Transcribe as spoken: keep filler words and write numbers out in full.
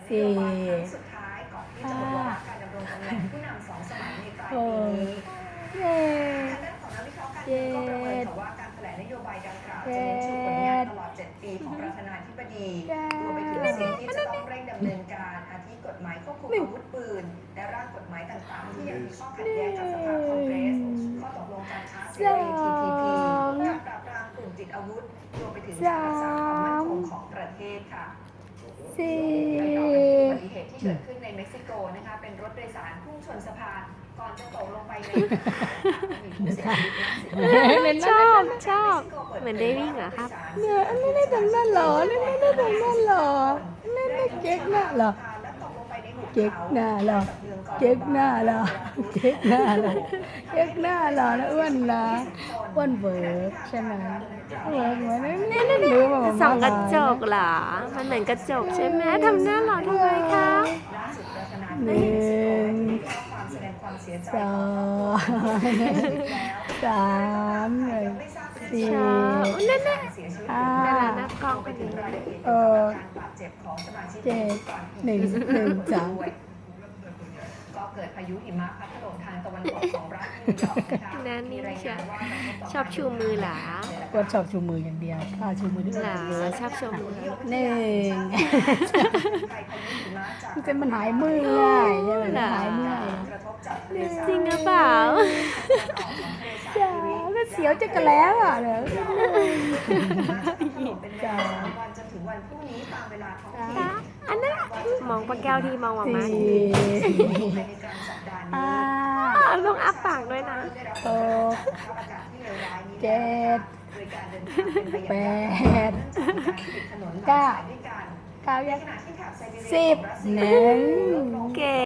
สี่สุดท้ายก่อนที่จะหมดวาระการดำรงตำแหน่งผู้นำสองสมัยในปลายหปีกนี้เจ็ดทางด้านของนักวิเคราะห์การเมืองก็ประเมินค่ะว่าการแถลงนโยบายดังกล่าวจะเน้นชูผลงานตลอดเจ็ดปีของประธานาธิบดีรวมไปถึงสิ่งที่จะต้องเร่งดำเนินการอาทิกฎหมายควบคุมอาวุธปืนและร่างกฎหมายต่างๆที่ยังมีข้อขัดแย้งกับสภาคองเกรสข้อตกลงการค้าเสรี ที พี พี การปราบปรามกลุ่มติดอาวุธรวมไปถึงการรักษาความมั่นคงของประเทศค่ะสี่ไปต่อกันที่อุบัติเหตุที่เกิดขึ้นในเม็กซิโกนะคะเป็นรถโดยสารพุ่งชนสะพานก่อนจะตกลงไปในมีผู้เสียชีวิตชอบชอบเหมือนได้วิ่งเหรอครับเนี่ยอันนี้ได้ตรงนั้นเหรอนี่ไม่ได้ตรงนั้นเหรอนี่ไม่เก๊กหน้าเหรอเก๊กหน้าเหรอเก๊กหน้าเหรอเก๊กหน้าเหรอเก๊กหน้าเหรอนะอ้วนนะอ้วนเบิร์กใช่ไหมเบิร์กเหมือนนี่นี่หรือว่าส่องกระจกเหรอ มันเหมือนกระจกใช่ไหมทำหน้าหล่อทำไมคะหนึ่งสองสามสี่ชอบนั่นน่ะห้านั่นแหละหน้ากล้องพอดีเออเจ็ดหนึ่งหนึ่งสามก็เกิดพายุหิมะพัดถล่มทางตะวันตกของรัฐนิวยอร์กนะคะนั่นมีรายงานว่าชอบชูมือเหรอก็ชอบชูมืออย่างเดียวถ้าชูมือด้วยเหรอชอบชูมือหนึ่งมันจะมันหายมือง่ายใช่ไหมมันหายเมื่อยจริงหรือเปล่าจ้าก็เสียวจะกระแล้วอ่ะเดี๋ยวจ้าวันจนถึงวันพรุ่งนี้ตามเวลาท้องถิ่นอันนั้นมองปลาแก้วที่มองออกมาสี่ภายในกลางสัปดาห์นี้ห้าอ่ะลองอ้าปากด้วยนะหกเจ็ดแปดเก้าเก้ายังสิบหนึ่งเก๋